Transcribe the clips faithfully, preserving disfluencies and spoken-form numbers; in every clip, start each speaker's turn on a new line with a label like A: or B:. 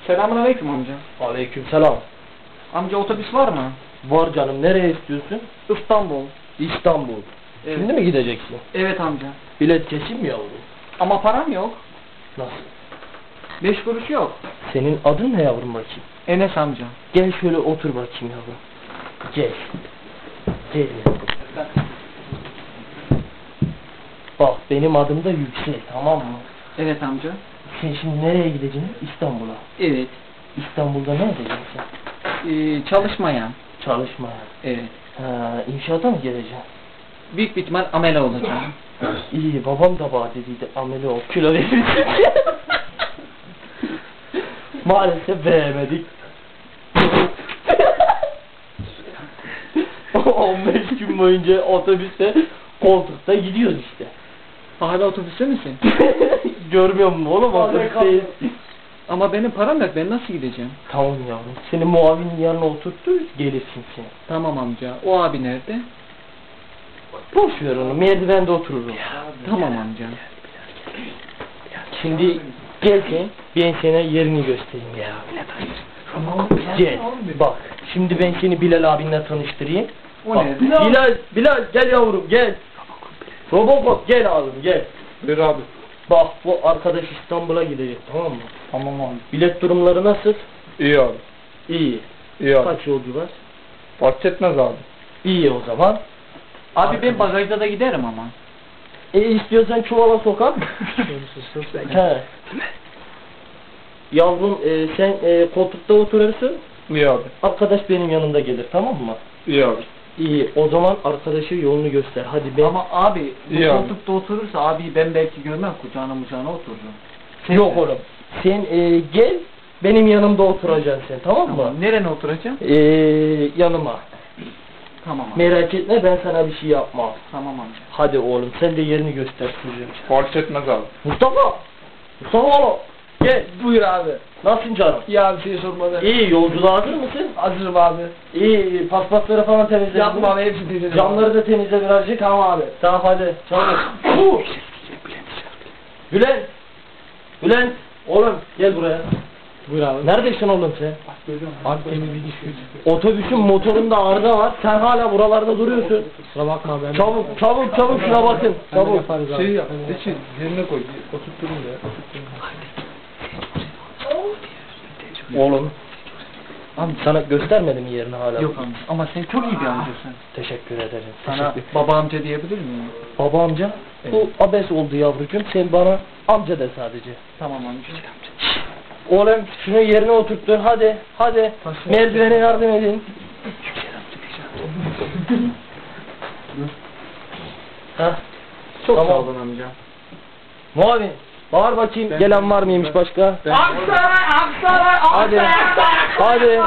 A: Selamünaleyküm amca.
B: Aleykümselam.
A: Amca otobüs var mı?
B: Var canım, nereye istiyorsun?
A: İstanbul.
B: İstanbul.
A: Evet.
B: Şimdi mi gideceksin?
A: Evet amca.
B: Bilet kesin mi yavrum?
A: Ama param yok.
B: Nasıl?
A: Beş kuruş yok.
B: Senin adın ne yavrum bakayım?
A: Enes amca.
B: Gel şöyle otur bakayım yavrum. Gel. Gel yavrum. Bak benim adım da Yüksel, tamam mı?
A: Evet amca.
B: Sen şimdi nereye gideceksin? İstanbul'a.
A: Evet.
B: İstanbul'da ne edeceksin?
A: Ee, çalışmayan.
B: Çalışmaya.
A: Evet.
B: Ha, inşaata mı geleceksin?
A: Büyük bir ihtimal amele olacağım.
B: İyi, babam da bana dediydi ameli ol, kilo verirsin. Maalesef veremedik. on beş gün boyunca otobüste, koltukta gidiyoruz işte.
A: Hala otobüste misin?
B: Görmüyor musun oğlum, otobüsteyiz.
A: Ama benim param yok, ben nasıl gideceğim?
B: Tamam yavrum, seni muavinin yanına oturturuz, gelirsin sen.
A: Tamam amca. O abi nerede?
B: Boş ver onu, merdivende otururum.
A: Tamam amca.
B: Şimdi gel sen, ben sana yerini göstereyim ya. Gel, bak, şimdi ben seni Bilal abinle tanıştırayım.
A: O
B: Bak,
A: nerede?
B: Bilal, Bilal gel yavrum gel. Robocop gel abim gel.
C: Buyur abi.
B: Bak bu arkadaş İstanbul'a gidecek, tamam mı?
C: Tamam abi.
B: Bilet durumları nasıl?
C: İyi abi.
B: İyi.
C: İyi abi.
B: Kaç yolcu var?
C: Fark etmez abi.
B: İyi o zaman.
A: Abi ben bagajda da giderim ama.
B: E istiyorsan çuvala sokar. He. Yavrum e, sen e, koltukta oturursun.
C: İyi abi.
B: Arkadaş benim yanımda gelir, tamam mı?
C: İyi abi.
B: İyi, o zaman arkadaşı yolunu göster. Hadi ben.
A: Ama abi bu
C: İyi abi.
A: koltukta oturursa abi ben belki görmem, kucağına mucağına otururum.
B: Yok oğlum. Sen e, gel, benim yanımda oturacaksın sen, tamam mı?
A: Tamam. Nereye oturacağım?
B: E, yanıma.
A: Tamam abi.
B: Merak etme, ben sana bir şey yapmam.
A: Tamam amca.
B: Hadi oğlum, sen de yerini göster çocuğum.
C: Fark etmez abi.
B: Mustafa! Mustafa oğlum! Gel,
A: Buyur abi.
B: nasılsın canım?
A: Ya bir şey sormadı.
B: İyi, yolculuğa hazır mısın?
A: Hazırım abi.
B: İyi, iyi, paspasları falan temizle.
A: Yapma abi, hepsini temizledim.
B: Camları da temizle birazcık.
A: Tamam abi.
B: Tamam hadi, çabuk. Bülent! Bülent! Oğlum, gel buraya.
A: Buyur abi.
B: Neredesin oğlum sen?
A: Abi temizlik işi.
B: Otobüsün motorunda arıza var. Sen hala buralarda duruyorsun.
A: Kusura bakma ben.
B: Çabuk, çabuk, çabuk şuna bakın. Çabuk.
A: Yaparız abi.
C: Şey yap. Seçil. Yerine koy. Oturtturun da ya.
B: Oğlum. Abi sana göstermedim mi yerini hala?
A: Yok amca. Ama sen çok iyi bir amcasın.
B: Teşekkür ederim.
A: Sana
B: Teşekkür.
A: baba amca diyebilir miyim?
B: Baba amca, bu abes oldu yavrucuğum. Sen bana amca de sadece.
A: Tamam amca.
B: Oğlum şunu yerine oturttur. Hadi, hadi. Merdivene yardım edin. Hah.
A: Çok
B: Tamam.
A: sağ olun amca.
B: Muavin, bağır bakayım.
A: Ben-
B: Gelen var mıymış başka?
A: Aksaray, Aksaray,
B: Hadi. Hadi.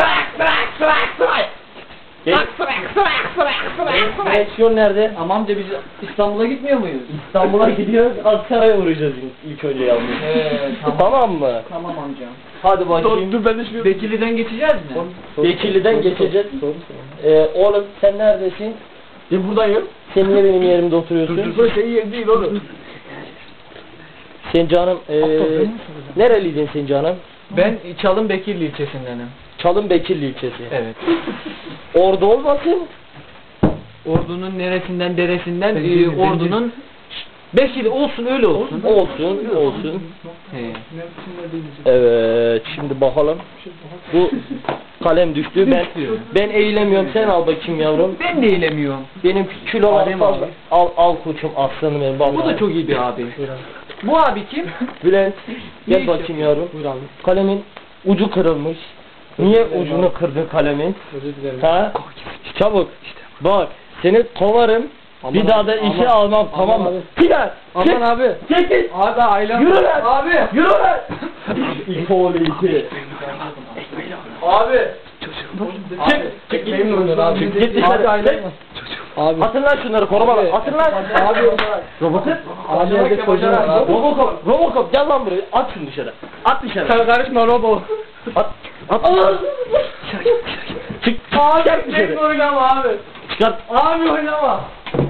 B: Geç. Direksiyon nerede?
A: Ama amca biz İstanbul'a gitmiyor muyuz?
B: İstanbul'a gidiyoruz. Aksaray'a uğrayacağız ilk önce yavrum.
A: Ee, tamam.
B: Tamam mı?
A: Tamam amca.
B: Hadi bakayım.
A: Dur ben de şu... Bekirli'den geçeceğiz mi?
B: Bekirli'den geçeceğiz. Ee, oğlum sen neredesin?
A: Ben buradayım.
B: Sen niye benim yerimde oturuyorsun?
A: Dur şey yer değil oğlum.
B: Sen canım, ee, nereliydin sen canım?
A: Ben Çalın Bekirli ilçesindenim.
B: Çalın Bekirli ilçesi.
A: Evet.
B: Orada olmasın?
A: Ordunun neresinden deresinden e, ordunun Bekirli olsun, öyle olsun.
B: Olsun, olsun.
A: He.
B: Evet, şimdi bakalım. Bu kalem düştü. Ben
A: Düştü.
B: ben eğilemiyorum. Sen al bakayım yavrum.
A: Ben de eğilemiyorum.
B: Benim kilo var
A: Adem
B: fazla.
A: abi.
B: Al al koçum, aslanım benim. Bak,
A: Bu da çok iyi bir abi. Bu abi kim?
B: Bülent,
A: Ne
B: gel
A: iş
B: bakayım
A: yapıyor?
B: yavrum.
A: Buyur abi.
B: Kalemin ucu kırılmış. Niye ucunu kırdın kalemin?
A: Özür dilerim.
B: Ha? Çabuk. Bak, seni kovarım.
A: Aman
B: Bir daha da
A: abi,
B: işe
A: aman-
B: almam, tamam mı?
A: abi.
B: Bilal,
A: Aman
B: çık,
A: abi.
B: çekil.
A: Abi ailem.
B: Yürü lan.
A: Abi.
B: Yürü lan. İki oğlu iki.
A: Abi.
B: Çık, çık git.
A: Abi.
B: Çık, git dışarı.
A: Abi ailem.
B: Abi. Atın lan şunları, korumalar.
A: Abi.
B: Atın lan.
A: Abi.
B: Robotun.
A: Abi evde çocuğum var abi.
B: Robocop, Robocop gel lan buraya. At şunu dışarı. At dışarı.
A: Sen karışma robo.
B: At. At. Çık.
A: Abi
B: Çık
A: tek
B: dışarı.
A: oynama abi.
B: Çıkart.
A: Abi oynama.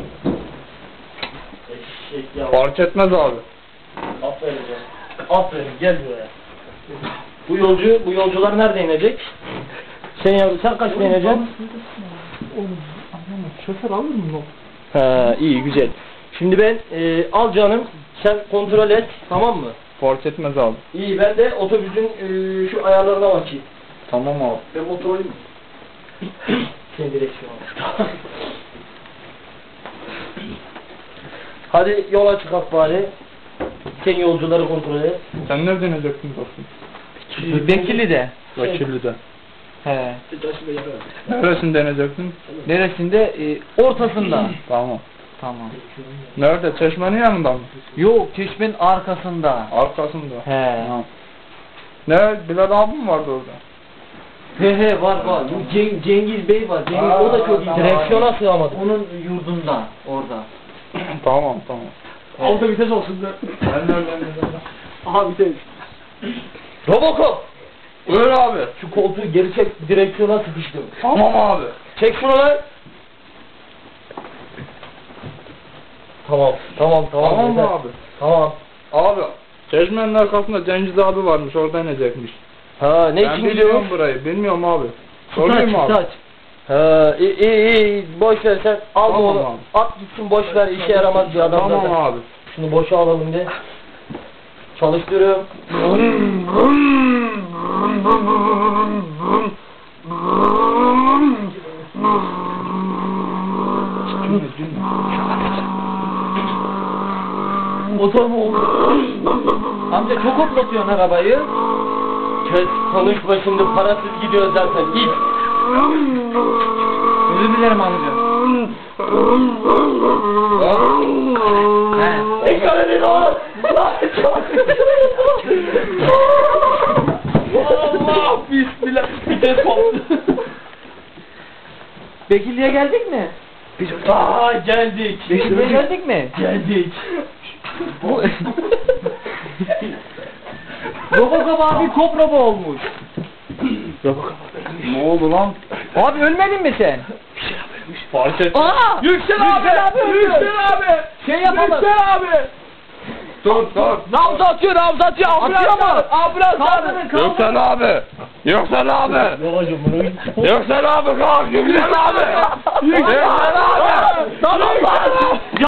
B: Eşek ya.
C: Fark etmez abi.
B: Aferin ya. Aferin, gel buraya. Bu yolcu, bu yolcular nerede inecek? Sen yavrum, sen kaçta ineceksin?
C: Oğlum anlamadım. Şoför alır mı lan?
B: Ha, iyi güzel. Şimdi ben e, al canım, sen kontrol et, tamam mı?
C: Fark etmez abi.
B: İyi, ben de otobüsün e, şu ayarlarına bakayım.
A: Tamam abi.
B: Ben motor alayım mı? Sen direksiyon al. Hadi yola çıkak bari. Sen yolcuları kontrol et.
C: Sen nereden ineceksin dostum?
A: Bekirli'de.
C: Vakilli'de.
A: He.
C: Neresinde ineceksin?
A: Neresinde? Ee, ortasında.
C: Tamam.
A: Tamam.
C: Nerede? Çeşmenin yanında mı?
A: Yok, çeşmenin arkasında.
C: Arkasında.
A: He.
C: Tamam. Ne? Bilal abi mi vardı orada?
A: He he var var. Bu Ceng- Cengiz Bey var. Cengiz
C: Aa,
A: o da çok iyi.
C: tamam.
B: Direksiyona sığamadım.
A: Onun yurdunda orada.
C: Tamam tamam.
A: Altta
B: vites olsun da.
C: Ben nereden ineceğim?
B: Aha vites. Robocop!
C: Buyur abi.
B: Şu koltuğu geri çek, direksiyona sıkıştım.
C: Tamam abi.
B: Çek şunu lan! Tamam, tamam, tamam.
C: Tamam mı
B: yeter.
C: abi?
B: Tamam.
C: Abi. Çeşmenin arkasında Cengiz abi varmış. Orada inecekmiş.
B: Ha, ne
C: Ben
B: için
C: bilmiyorum
B: gidiyorsun?
C: burayı. Bilmiyorum abi.
B: Saç,
C: Sorayım mı abi?
B: saç. Ha, iyi, iyi, iyi. Boş ver sen. Al
C: Tamam
B: onu.
C: abi.
B: At gitsin, boş ver. İşe yaramaz bir adam
C: Tamam
B: zaten.
C: abi.
B: Şunu boşa alalım de. Çalıştırıyorum.
A: Motor mu oldu? Amca çok hoplatıyorsun arabayı.
B: Kes, konuşma şimdi, parasız gidiyoruz zaten. İt.
A: Özür dilerim amca. He.
B: Tekrar edin oğlum. Allah bismillah. Vites koptu.
A: Bekirli'ye geldik mi?
B: Aa, geldik.
A: Bekirli'ye geldik mi?
B: Geldik.
A: Bu... Robocop abi Koprobo olmuş.
C: Ne oldu lan?
A: Abi ölmedin mi sen?
C: Fark et.
A: Aa!
B: Yüksel abi.
A: Yüksel abi öldü.
B: Yüksel abi.
A: Şey yapalım.
B: Yüksel abi.
C: Dur dur.
B: Nabzı atıyor, nabzı atıyor. Ambulans
A: Atıyor mu?
B: çağır. Ambulans
A: Kaldırın,
B: çağır.
A: kaldırın.
C: Yüksel abi. Yüksel abi.
B: Babacım bunu.
C: Yüksel abi kalk. Yüksel abi. Yüksel abi.
B: Tamam lan.